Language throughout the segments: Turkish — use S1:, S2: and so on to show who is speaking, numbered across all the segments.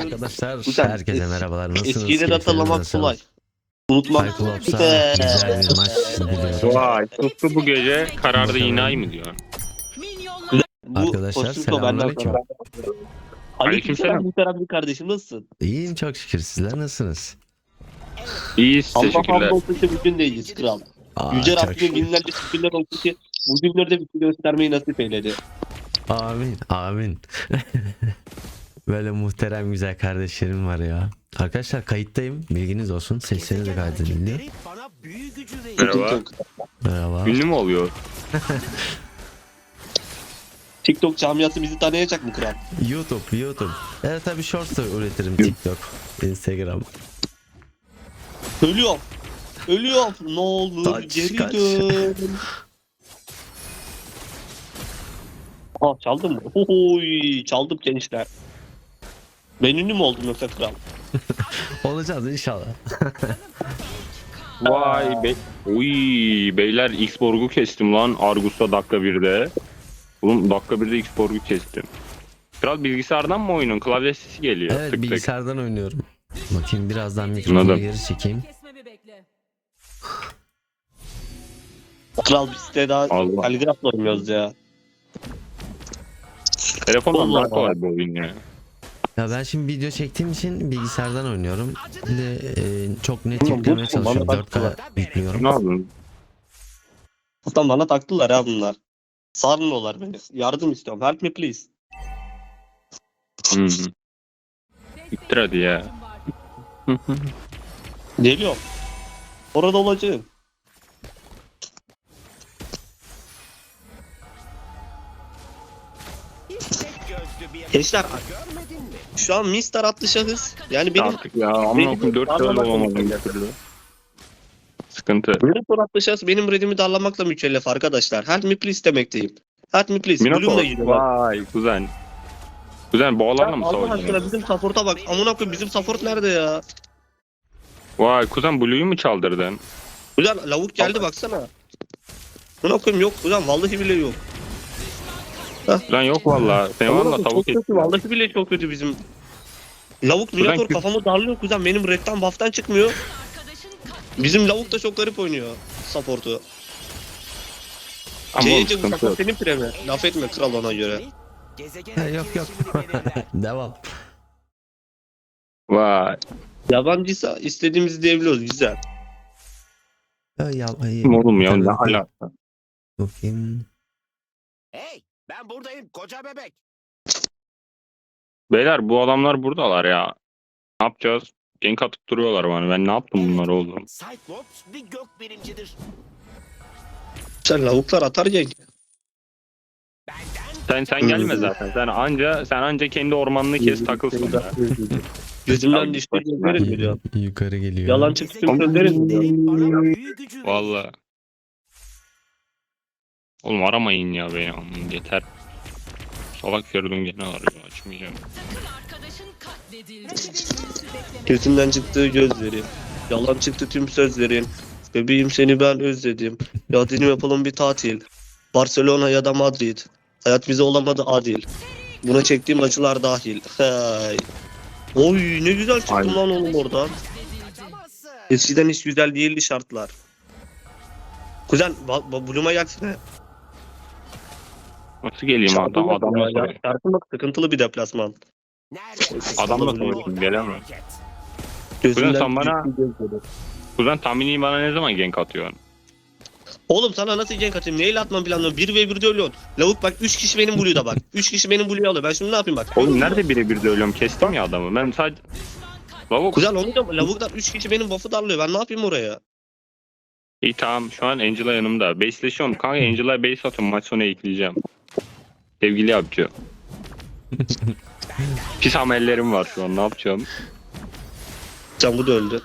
S1: Arkadaşlar
S2: Güzel.
S1: herkese merhabalar. Nasılsınız?
S2: Eskileri
S1: Keyifleriniz
S2: hatırlamak
S1: nasıl?
S2: kolay. Unutmak
S1: Cyclops'a güzel bir maç diliyorum.
S3: Vay tuttu bu gece karardı yine ay mı diyor.
S2: Bu
S1: Arkadaşlar,
S2: kostüm benden
S1: selamünaleyküm.
S2: sonra.
S3: Aleykümselam.
S2: Aleykümselam Muhterem kardeşim, nasılsın?
S1: İyiyim çok şükür. Sizler nasılsınız?
S3: İyiyiz
S2: Allah
S3: teşekkürler.
S2: hamdolsun ki bugün de iyiyiz kral. Yüce
S1: Çok
S2: Rabbim
S1: şükür.
S2: binlerce şükürler olsun ki bu günlerde bir şey göstermeyi nasip eyledi.
S1: Amin. Amin. Böyle muhterem güzel kardeşlerim var ya. Arkadaşlar kayıttayım. Bilginiz olsun. Sesleri de kaydediliyor.
S3: Merhaba.
S1: Merhaba.
S3: Ünlü mü oluyor?
S2: TikTok camiası bizi tanıyacak mı kral?
S1: YouTube. Evet tabii shorts da üretirim. TikTok, Instagram.
S2: Ölüyorum. Ne olur
S1: Kaç,
S2: geri
S1: kaç.
S2: dön. Aa, çaldın mı? Oy, çaldım gençler. Ben ünlü mü oldum yoksa kral?
S1: Olacağız inşallah.
S3: Vay be. Uy beyler X-Borg'u kestim lan Argus'ta dakika 1'de. Oğlum dakika 1'de X-Borg'u kestim. Kral bilgisayardan mı oyunun? Klavye sesi geliyor.
S1: Evet
S3: Tık tık.
S1: bilgisayardan oynuyorum. Bakayım birazdan mikrofonu
S3: Anladım.
S1: geri çekeyim.
S2: Kral biz de daha
S3: Allah.
S2: telgrafla oynuyoruz ya.
S3: Telefondan
S2: Allah
S3: daha kolay bu oyun ya.
S1: Ya ben şimdi video çektiğim için bilgisayardan oynuyorum. Bir de çok net
S2: Oğlum,
S1: yüklemeye
S2: bu-
S1: çalışıyorum.
S2: bana
S1: 4K yüklüyorum.
S3: Ne yapıyorsun?
S2: Ulan bana taktılar ha bunlar. Sarmıyorlar beni. Yardım istiyorum. Help me please.
S3: Hı. Bittir hadi ya.
S2: Geliyorum. Orada olacağım. Gençler, şu an Mister adlı şahıs. Yani benim
S3: Artık ya amına koyayım 4 tane olamadım bir türlü. Sıkıntı.
S2: Minotaur adlı şahıs benim redimi darlamakla mükellef arkadaşlar. Help me please demekteyim. Help me please. Bloom'la
S3: Minotaur.
S2: gidiyor.
S3: Vay kuzen. Kuzen boğalarla mı
S2: Allah aşkına
S3: savaşıyorsun?
S2: bizim support'a bak. Amına koyayım, bizim support nerede ya?
S3: Vay kuzen Blue'yu mu çaldırdın?
S2: Ulan lavuk geldi baksana. Amına koyayım, yok ulan, vallahi bile yok.
S3: Kuzen yok valla. Sen
S2: Amına
S3: valla
S2: koyayım,
S3: tavuk
S2: çok kötü, vallahi bile çok kötü bizim. Lavuk
S3: Ulan
S2: Minotaur
S3: kü-
S2: kafamı darlıyor kuzen. Benim redden buff'tan çıkmıyor. Bizim lavuk da çok garip oynuyor support'u.
S3: Ama oğlum
S2: bu
S3: sıkıntı yok.
S2: support senin premi. Laf etme kral ona göre.
S1: Yok. Devam.
S3: Vay.
S2: Yabancıysa istediğimizi diyebiliyoruz, güzel.
S3: Kim oğlum ya ne alaka?
S1: Bakayım.
S4: Hey, ben buradayım koca bebek.
S3: Beyler bu adamlar buradalar ya. Ne yapacağız? Gank atıp duruyorlar bana. Ben ne yaptım bunlara oğlum?
S4: Cyclops bir gök bilimcidir.
S2: Sen lavuklar atar ya.
S4: Benden
S3: Sen gelme zaten. Sen anca kendi ormanını kes takılsın ya.
S2: Gözümden düştü gözlerim biliyor.
S1: Yukarı geliyor.
S2: Yalan çıktı gözlerim biliyor.
S4: bana büyü gücü verir.
S3: Valla. Oğlum aramayın ya beni. Aman yeter. Salak Feridun gene arıyor. Açmayacağım.
S2: Gözümden çıktığı gözleri. Yalan çıktı tüm sözlerin. Bebeğim seni ben özledim. Ya dilim yapalım bir tatil. Barcelona ya da Madrid. Hayat bize olamadı adil. Buna çektiğim acılar dahil. Hay. Oy ne güzel çıktım
S3: Aynen.
S2: lan oğlum oradan.
S4: Kaçamazsın.
S2: Eskiden hiç güzel değildi şartlar. Kuzen Bloom'a gelsene.
S3: Nasıl geleyim adam? Adamla
S2: ya.
S3: savaşayım.
S2: Şartın bak, sıkıntılı bir deplasman.
S4: Neredesin?
S3: Adamla
S2: Vallahi
S3: savaşayım. Gelemem.
S2: Gözümden
S3: sen bana-
S2: düştüğü gözleri.
S3: Kuzen tahmini bana ne zaman gank atıyorsun?
S2: Oğlum sana nasıl gank atayım? Neyle atmam planlıyorum? 1v1'de ölüyorsun. Lavuk bak, 3 kişi benim Blue'da bak. 3 kişi benim Blue'yu alıyor. Ben şimdi ne yapayım bak.
S3: Oğlum nerede birebir de ölüyorum? Kestim ya adamı. Ben sadece... Lavuk.
S2: Kuzen onu da lavuklar 3 kişi benim buff'ı darlıyor. Ben ne yapayım oraya?
S3: İyi tamam şu an Angela yanımda. Base'leşiyorum. Kanka Angela'ya base atıyorum. Maç sonu ekleyeceğim. Sevgili yapıcı. Pis amellerim var şu an. Ne yapacağım?
S2: Can bu da öldü.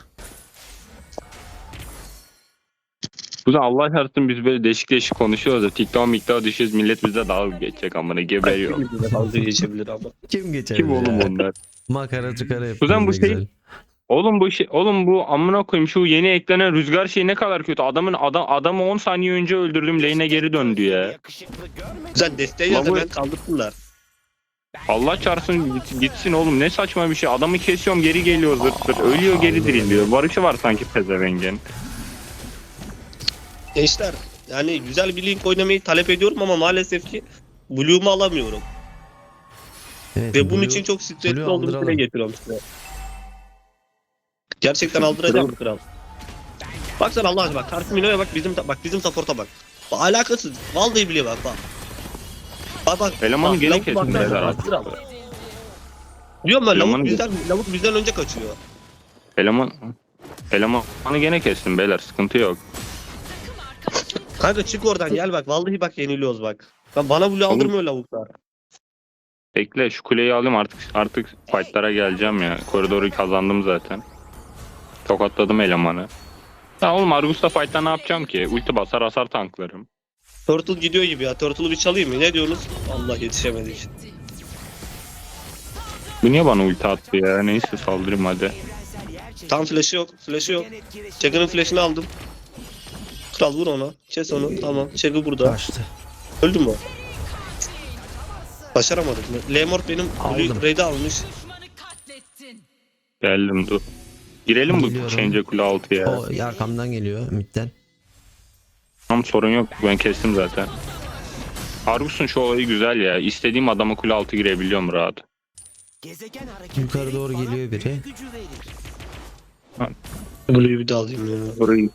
S3: Bu da Allah şartsın biz böyle değişik değişik konuşuyoruz da TikTok'a düşüyoruz. Millet bize dalga geçecek amına geberiyor.
S2: Dalga geçebilir ama.
S1: Kim geçer?
S3: Kim
S1: ya?
S3: oğlum onlar?
S1: Makara çıkara yapıyor.
S3: Kuzen bu
S1: ne
S3: şey-
S1: güzel.
S3: Oğlum bu amına koyayım şu yeni eklenen rüzgar şeyi ne kadar kötü. Adamı 10 saniye önce öldürdüm. Lane'e geri döndü ya.
S4: Yakışıklı görmedin.
S2: Kuzen desteği
S3: Lavuk-
S2: hemen kaldırsınlar.
S3: Allah çarpsın gitsin oğlum, ne saçma bir şey. Adamı kesiyorum geri geliyor zırt zırt. Ölüyor geri diriliyor. Barışı var sanki pezevengin.
S2: Gençler yani güzel bir link oynamayı talep ediyorum ama maalesef ki Blue'umu alamıyorum.
S1: Evet,
S2: Ve bunun
S1: Blue-
S2: için çok stresli
S1: Blue
S2: olduğumu
S1: aldıralım.
S2: dile getiriyorum size. Gerçekten aldıracağım kral. Bak sen Allah aşkına bak. Karşı Mino'ya bak, bizim support'a bak. Bak alakasız. Vallahi bile bak bak. Bak.
S3: Elemanı
S2: Bak,
S3: gene
S2: lavuk
S3: kesin
S2: bak,
S3: beyler
S2: bak,
S3: artık.
S2: kral. Diyorum ben
S3: Elemanı-
S2: lavuk bizden önce kaçıyor.
S3: Elemanı gene kestim beyler, sıkıntı yok.
S2: Kanka çık oradan gel bak. Vallahi bak yeniliyoruz bak. Bana Blue aldırmıyor lavuklar.
S3: Bekle şu kuleyi alayım, artık fightlara geleceğim ya. Koridoru kazandım zaten. Tokatladım elemanı. Ya oğlum Argus'ta fight'ta ne yapacağım ki? Ulti basar hasar tanklarım.
S2: Turtle gidiyor gibi ya. Turtle'ı bir çalayım mı? Ne diyorsunuz? Allah yetişemedik.
S3: Bu niye bana ulti attı ya? Neyse saldırayım hadi.
S2: Tam flash'ı yok. Flash'ı yok. Check'ın flash'ını aldım. Kral vur ona. Kes onu. Tamam. Check'ı burada.
S1: Kaçtı.
S2: Öldü mü? Başaramadık mı? Lemort benim
S1: Aldım.
S2: raid'i almış.
S3: Geldim dur. Girelim bu
S1: Geliyorum.
S3: Change kule altı ya.
S1: O arkamdan geliyor midden.
S3: Tam sorun yok, ben kestim zaten. Argus'un şu olayı güzel ya. İstediğim adama kule altı girebiliyorum rahat.
S4: Gezegen hareketleri
S1: Yukarı doğru
S4: bana
S1: geliyor biri.
S4: büyü gücü verir.
S2: Blue'yu bir de alayım ya.
S3: Orayı.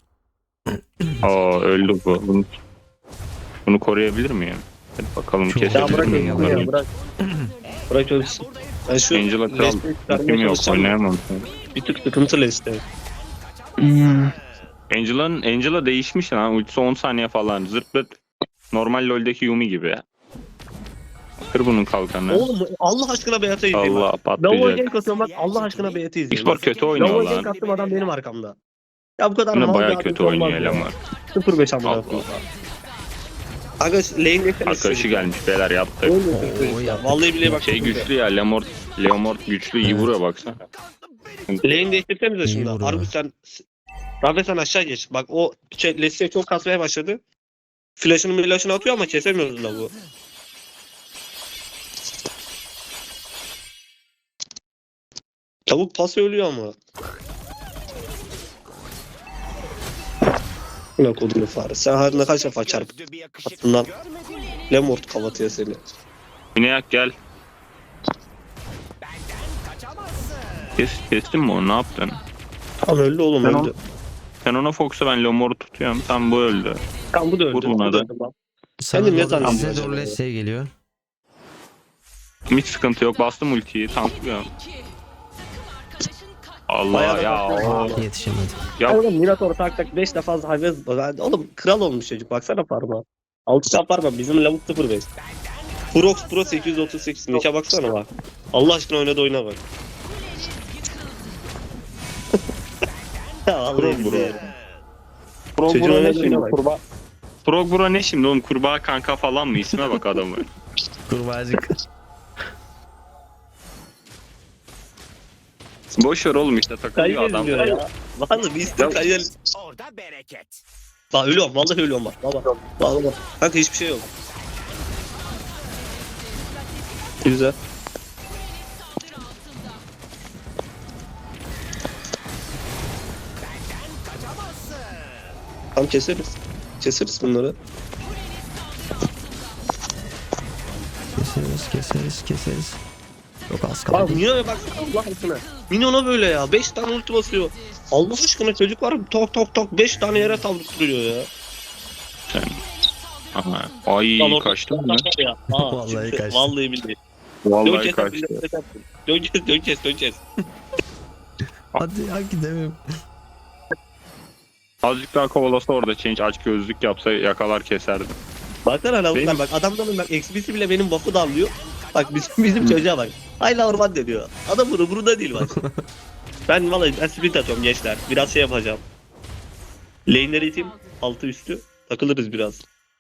S3: Aa öldü bu. Bunu koruyabilir miyim? Hadi bakalım
S1: Çok-
S2: Ya
S3: kesebilir
S2: bırak
S3: miyim?
S2: Angel'ı ya bırak. Bırak ölsün. Ben şu
S3: Angela kral.
S2: Leicesteri çıkarmaya
S3: Kim yok,
S2: çalışacağım.
S3: oynayamam.
S2: Bir tık sıkıntı Leicester.
S3: Angela değişmiş lan. Ultisi 10 saniye falan. Zırt pırt. Normal LoL'deki Yumi gibi. Kır bunun kalkanı.
S2: Oğlum Allah aşkına Beyat'a izleyin
S3: Allah
S2: bak. Lavo'ya
S3: patlayacak.
S2: gank atıyorum bak. Allah aşkına Beyat'a izleyin.
S3: Xbox kötü oynuyor
S2: Lavo'ya gank
S3: lan.
S2: attım adam benim arkamda. Ya bu kadar
S3: Yine
S2: mal
S3: bayağı
S2: bir
S3: kötü
S2: adet
S3: oynuyor
S2: olmaz ya.
S3: eleman.
S2: 0-5 amına
S3: Allah
S2: koyayım. Aga lane'de
S3: Arkadaşı gelmiş beyler yaptık.
S2: Vallahi bile bak.
S3: Şey güçlü ya, Leomort güçlü, iyi
S1: Evet.
S3: vuruyor baksana.
S2: Lane değiştirsenize
S1: İyi
S2: şimdi.
S1: vuruyor.
S2: Argus sen Rafe sen aşağı geç. Bak o Leicester çok kasmaya başladı. Flash'ını atıyor ama kesemiyoruz la bu. Tavuk pas ölüyor ama. Ne kodunu fare. Sen her ne kaç defa çarp.
S4: Gözlü bir yakışıklı
S2: Aklından
S4: görmedin mi?
S2: Lemort kavatıyor seni.
S3: Güneyak gel.
S4: Kaçamazsın.
S3: Kestin mi onu, ne yaptın?
S2: Tam öldü oğlum
S3: Ben
S2: öldü.
S3: Sen ona Fox'a, ben Leomort'u tutuyorum. Tam bu öldü.
S2: Tam bu da öldü.
S3: Vur buna
S2: Bu da
S3: da.
S2: öldü lan.
S1: Sana
S2: Ben de ne
S1: doğru,
S2: zannediyorum
S1: size
S2: acaba
S1: doğru
S2: ya?
S1: Leslie geliyor.
S3: Hiç sıkıntı yok. Bastım ultiyi. Tanklıyorum. Allah
S2: Bayağı da
S3: ya.
S2: bastım.
S1: Yetişemedim.
S3: Ya
S2: Oğlum Minotaur tak 5 defa hayvan. Oğlum kral olmuş çocuk baksana parmağı. 6 çap parmağı bizim lavuk 0-5. Prox Pro 838 nike baksana bak. Allah aşkına oynadı oyuna bak. Ya vallahi
S3: Pro
S2: billahi.
S3: Frog
S2: Çocuğun
S3: Bro ne
S2: oynadığı
S3: şimdi?
S2: oyuna bak.
S3: Kurbağa. Frog Bro ne şimdi oğlum? Kurbağa kanka falan mı? İsme bak adamı.
S1: Kurbağacık.
S3: Boş ver oğlum, işte takılıyor
S2: Kayı
S3: adam.
S2: diyor ya. Vallahi bir isim kayı.
S4: Orada bereket.
S2: Bak ölüyorum vallahi ölüyorum bak. Bak. Kanka hiçbir şey yok. Güzel. Tam keseriz. Keseriz bunları.
S1: Keseriz. Çok az
S2: Abi
S1: kaldı.
S2: Minion'a bak Allah aşkına. Minion'a böyle ya. 5 tane ulti basıyor. Allah aşkına çocuk var tok 5 tane yere saldırtırıyor ya.
S3: Aha. Ay
S2: Lan orada-
S3: kaçtın mı?
S2: Ya. Aa,
S1: Vallahi
S2: çıktı.
S1: kaçtı.
S2: Vallahi billahi.
S3: Vallahi kaçtı.
S2: Döneceğiz.
S1: Hadi gidelim.
S3: Azıcık daha kovalasa orada Change aç gözlük yapsa yakalar keserdim.
S2: Baksana lavuklar
S3: Benim-
S2: bak adamların bak XP'si bile benim buff'ı darlıyor. Bak bizim çocuğa bak. Hayla orman deniyor. Adam burada değil bak. ben sprint atıyorum gençler. Biraz şey yapacağım. Lane'leri iteyim. Altı üstü. Takılırız biraz.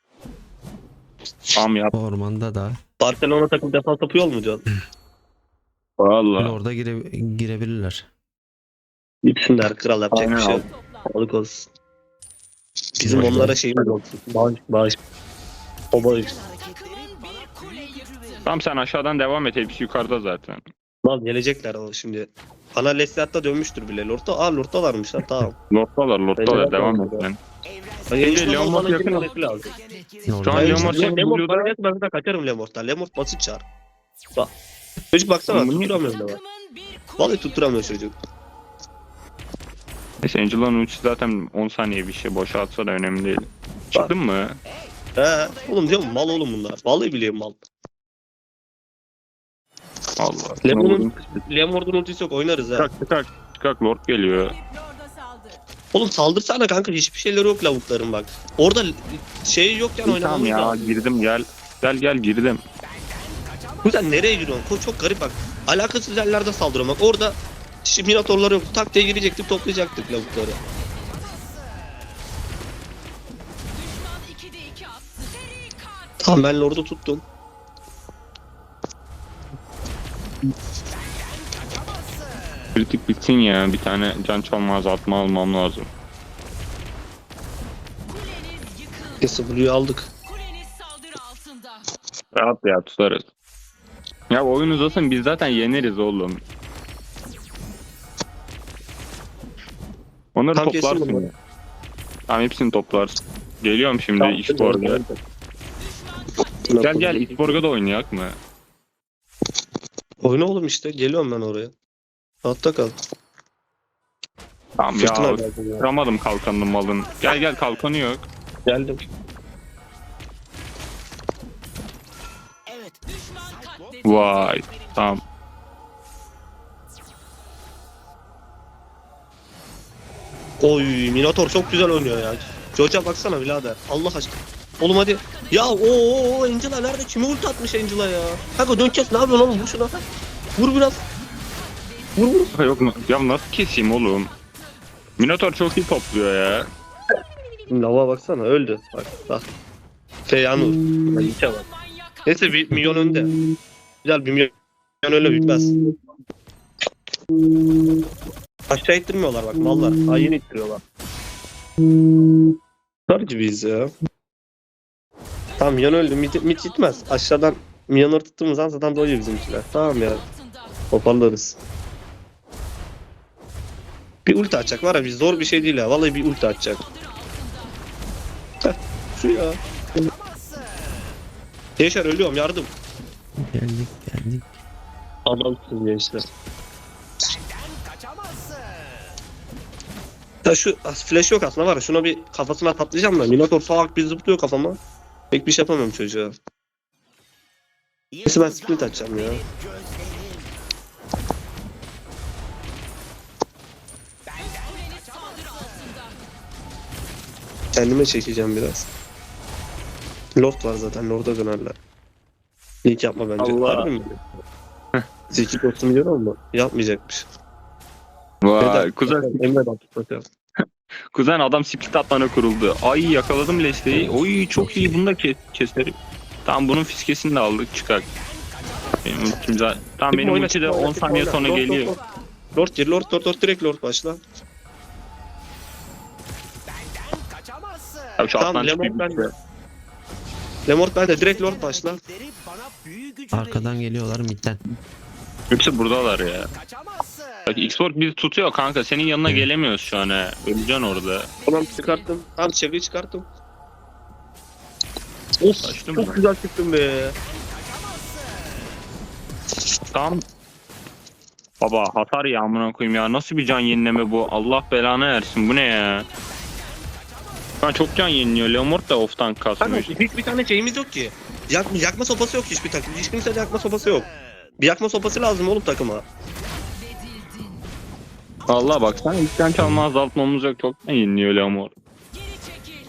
S3: Tamam yap.
S1: Ormanda da.
S2: Barcelona takım defans yapıyor mu Can?
S3: Valla.
S1: Orada girebilirler.
S2: Gitsinler kral yapacak bir
S3: Aynen
S2: şey yok. Sağlık olsun. Bizim
S1: Aynen.
S2: onlara şeyimiz olsun. Bağış. O bağış.
S4: Hareketleri bana büyü gücü verir.
S3: Tamam sen aşağıdan devam et. Hepsi yukarıda zaten.
S2: Lan gelecekler ama şimdi. Ana Lesliat'ta dönmüştür bile. Lord'da varmışlar tamam.
S3: Lord'dalar
S2: Bence
S3: devam et
S2: de.
S3: sen.
S2: Angel
S3: Leon
S2: bana
S3: yakın
S2: girmesi lazım.
S1: Ne oldu?
S3: Şu an Leon Mort'u
S2: Lemort
S3: Blue'da.
S2: bana gelsin ben de kaçarım Lemort'tan. Lemort basit çağır. Bak. Çocuk baksana
S3: Bunu-
S2: tutturamıyor da bak. Vallahi tutturamıyor çocuk.
S3: Neyse Angela'nın ultisi zaten 10 saniye bir şey. Boşa atsa da önemli değil. Çıktın mı?
S2: He. Oğlum diyorum mal oğlum bunlar. Vallahi biliyorum mal.
S3: Allah.
S2: Lemort'un ultisi yok oynarız ha.
S3: Çıkak Lord geliyor.
S2: Oğlum saldırsana kanka hiçbir şeyleri yok lavukların bak. Orada şey yokken
S3: Tamam
S2: oynamamız
S3: ya
S2: lazım.
S3: girdim gel. Gel girdim.
S2: Kuzen nereye giriyorsun? Çok garip bak. Alakasız yerlerde saldırıyor bak. Orada Minotaurlar yok. Tak diye girecektik toplayacaktık lavukları. Tamam ben Lord'u tuttum.
S3: Kritik bitsin ya. Bir tane can çalma azaltma almam lazım.
S2: W'yu aldık.
S5: Kuleniz saldırı altında.
S3: Rahat ya tutarız. Ya oyun uzasın biz zaten yeneriz oğlum. Onları
S2: Tam kesin
S3: toplarsın
S2: bunu.
S3: ya. Tamam hepsini toplarsın. Geliyorum şimdi
S2: Tamam,
S3: X-Borg'a. Gel X-Borg'a da oynayak mı?
S2: Oyna oğlum işte. Geliyorum ben oraya. Hatta kal.
S3: Tamam
S2: Fırtına
S3: ya.
S2: geldi ya.
S3: Kıramadım kalkanını malın. Gel kalkanı yok.
S2: Geldim.
S4: Evet.
S5: Düşman katledildi.
S3: Vay. Tamam.
S2: Oy Minotaur çok güzel oynuyor ya. Joja baksana birader. Allah aşkına. Oğlum hadi. Ya o Angela nerede? Kime ulti atmış Angela ya? Kanka döneceğiz ne yapıyorsun oğlum? Vur şuna. Vur biraz. Vur.
S3: Yok mu? Ya nasıl keseyim oğlum? Minotaur çok iyi topluyor ya.
S2: Lava baksana öldü. Bak. Feyanur. İlke bak. Neyse bir milyon önde. Güzel bir milyon öyle bitmez. Aşağı ittirmiyorlar bak mallar. Hain ittiriyorlar. Sarıcı biz ya. Tamam milyon öldü. Mit gitmez. Aşağıdan milyonları tuttuğumuz an zaten doyuyor bizimkiler. Tamam ya. Toparlarız. Bir ulti atacak var ya biz zor bir şey değil ya. Vallahi bir ulti atacak. Şu ya. Yaşar ölüyorum yardım.
S1: Geldik.
S2: Adamsın gençler.
S4: Kaçamazsın.
S2: Ya şu flash yok aslında var ya şuna bir kafasına patlayacağım da Minotaur salak bir zıplıyor kafama. Pek bir şey yapamıyorum çocuğa. Neyse ben sprint atacağım ya.
S4: Gözlerim.
S5: Kuleniz saldırı altında.
S2: Kendime çekeceğim biraz. Lord var zaten Lord'a dönerler. İlk yapma bence.
S3: Allah.
S2: Harbi mi? Zeki dostum biliyorum ama yapmayacakmış.
S3: Vay kuzen,
S2: Emre baktık bakalım.
S3: kuzen adam split atmana kuruldu. Ay yakaladım Leslie'yi. Oy çok iyi bunu da keserim. Tamam bunun fiskesini de aldık çıkar. Benim ultim zaten. Tamam benim
S2: Oyna,
S3: ulti de
S2: oyna,
S3: 10 saniye
S2: oyna.
S3: sonra
S2: Lord,
S3: geliyor.
S2: Lord gir Lord direkt Lord başla.
S4: Kaçamazsın.
S3: Abi şu
S2: Tamam,
S3: atlan
S2: Lemon
S3: çıkıyor.
S2: bende. Lemort bende direkt Lord başla.
S4: Rakipleri bana büyü gücü
S1: Arkadan
S4: verir.
S1: geliyorlar midden.
S3: Hepsi buradalar ya.
S4: Kaçamazsın.
S3: Bak Xbox bizi tutuyor kanka. Senin yanına gelemiyoruz şu an he. Öleceksin orada.
S2: Tamam çıkarttım. Tamam çevreyi çıkarttım. Of
S3: Açtın
S2: çok
S3: mı?
S2: güzel çıktım be.
S3: Tamam. Baba hasar ya amına koyayım ya. Nasıl bir can yenileme bu? Allah belanı versin. Bu ne ya? Ben çok can yeniliyor. Leomort da off'tan
S2: Kanka
S3: kasmıyor.
S2: hiçbir tane şeyimiz yok ki. Yakma sopası yok hiçbir takım. Hiç kimsede yakma sopası yok. Bir yakma sopası lazım oğlum takıma.
S3: Allah bak sen ilk can çalma azaltmamız yok. Çok can yeniliyor Leomort.
S5: Geri çekil.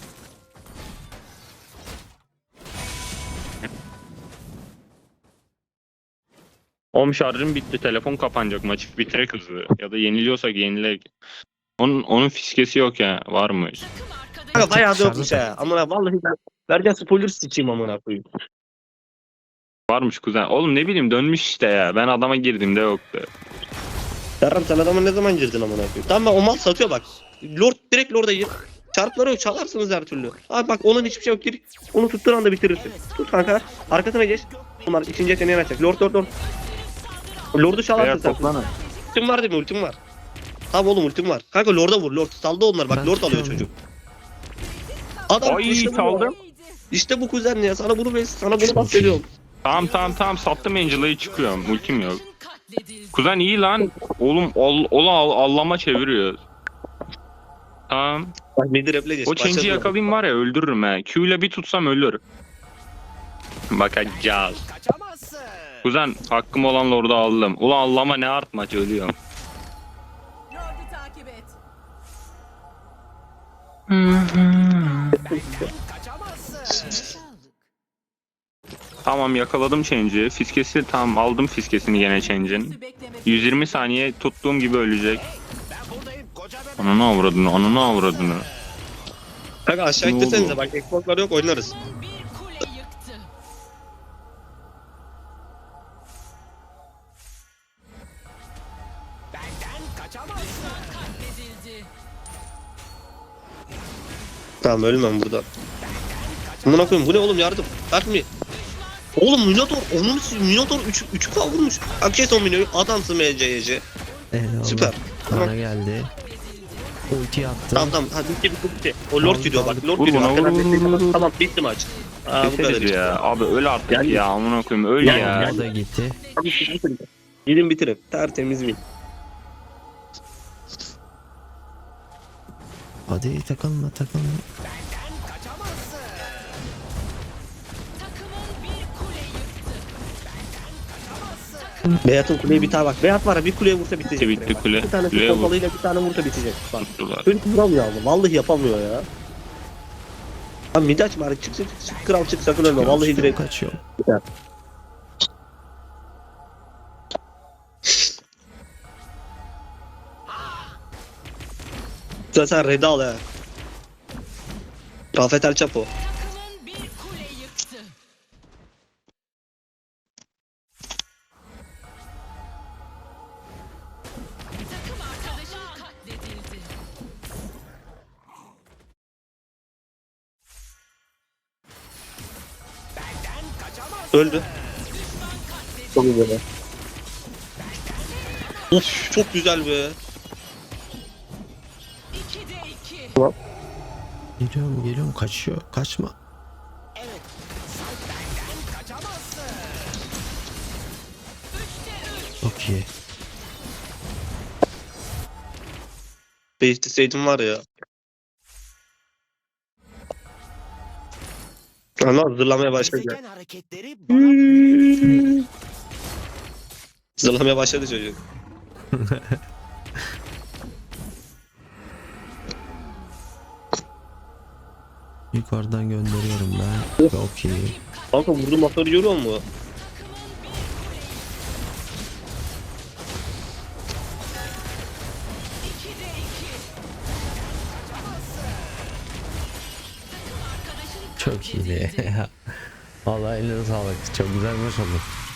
S3: Oğlum şarjım bitti. Telefon kapanacak. Maçı bitirek hızlı. Ya da yeniliyorsak yenilek. Onun fiskesi yok ya. Varmış.
S5: Takım arkadaşı.
S2: Kanka bayağı da
S1: Dışarıda
S2: yokmuş ha. Amına vallahi ben vereceğim spoiler sıçayım amına koyayım.
S3: Varmış kuzen. Oğlum ne bileyim dönmüş işte ya. Ben adama girdiğimde yoktu.
S2: Yarram sen adama ne zaman girdin amına koyayım? Tamam ben o mal satıyor bak. Lord direkt Lord'a gir. Çarpları yok, çalarsınız her türlü. Abi bak onun hiçbir şey yok. Gir. Onu tuttuğun anda bitirirsin. Tut kanka. Arkasına geç. Bunlar ikinci yeteneğini açacak. Lord. Lord'u çalarsın
S3: Beyler
S2: sen.
S3: toplanın.
S2: Ultim var değil mi? Ultim var. Tamam oğlum ultim var. Kanka Lord'a vur. Lord saldı onlar. Bak
S1: Ben
S2: Lord alıyor
S1: tutuyorum.
S2: çocuk. Adam
S3: Ay
S2: işte bu.
S3: saldım.
S2: İşte bu kuzen ya. Sana bunu
S1: Çok
S2: bahsediyorum.
S3: Tamam sattım Angela'yı çıkıyorum. Ultim yok.
S5: Katledildi.
S3: Kuzen iyi lan. Oğlum allama çeviriyor. Tamam.
S2: Bak midi rep'le geç.
S3: O change'i
S2: Başladı.
S3: yakalayayım var ya öldürürüm he. Q ile bir tutsam ölür. Bakacağız.
S4: Kaçamazsın.
S3: Kuzen hakkım olan Lord'u aldım. Ulan allama ne artmaç ölüyorum.
S5: Lord'u takip et.
S4: Kaçamazsın.
S3: Tamam yakaladım change'i. Fiskesi tamam aldım fiskesini gene change'in. 120 saniye tuttuğum gibi ölecek.
S4: Ben buradayım koca bebek.
S3: Ananı avradını.
S2: Kanka aşağı
S3: Ne
S2: ittirsenize
S3: oldu?
S2: bak Xbox'lar yok oynarız.
S5: Bir kule yıktı.
S4: Benden kaçamazsın.
S5: Katledildi.
S2: Tamam ölmem burada. Amına koyayım bu ne oğlum yardım. Bak mı? Oğlum Minotaur 3 vurmuş. Akşe son Mino'yu adamsın MC'ye.
S1: Eyvallah.
S2: Süper.
S1: Bana geldi. Ulti attı.
S2: Tamam hadi bitti. O Lord gidiyor bak Lord
S3: Vur
S2: gidiyor.
S3: buna,
S2: Arkadan
S3: vur,
S2: destek
S3: vur,
S2: alın.
S3: vur.
S2: Tamam bitti maç. Aa bu kadar
S3: Keseriz
S2: işte.
S3: ya. Abi öl artık
S2: Yani-
S3: ya. Amına koyayım öl
S2: Yani-
S3: ya.
S1: O da gitti.
S2: Gidin bitirin. Tertemiz win.
S1: Hadi takılma.
S4: Kaçamazsın.
S5: Takımın bir kule yıktı.
S2: Beyat'ın kuleyi bir tane bak. Beyat var ya bir kuleye vursa bitecek.
S3: Bitti
S2: direkt bak.
S3: kule.
S2: Bir tanesi
S3: Kuleye vur.
S2: pompalıyla bir tane vursa bitecek. Bak.
S3: Tuttular.
S2: Çocuk vuramıyor ama. Vallahi yapamıyor ya. Abi midi açma hadi çık kral çık sakın ölme. Vallahi direkt.
S1: Kaçıyor.
S2: Sen Red'i al ya. Rafet El Chapo.
S5: Takımın bir kule yıktı. Takım arkadaşın katledildi.
S4: Benden kaçamazsın.
S2: Öldü. Çok güzel. Of çok güzel be.
S5: 2'de 2.
S1: Geliyorum kaçıyor. Kaçma.
S4: Evet. Sen benden kaçamazsın.
S5: 3'te 3.
S1: Çok iyi.
S2: Bekleseydim var ya. Ama hazırlamaya başladı.
S4: Gezegen hareketleri bana
S2: Hazırlamaya başladı çocuk.
S1: Yukarıdan gönderiyorum ben. Çok iyi.
S2: Kanka vurdum motoru görüyor musun?
S1: Çok iyi. Vallahi eline sağlık. Çok güzel maç oldu.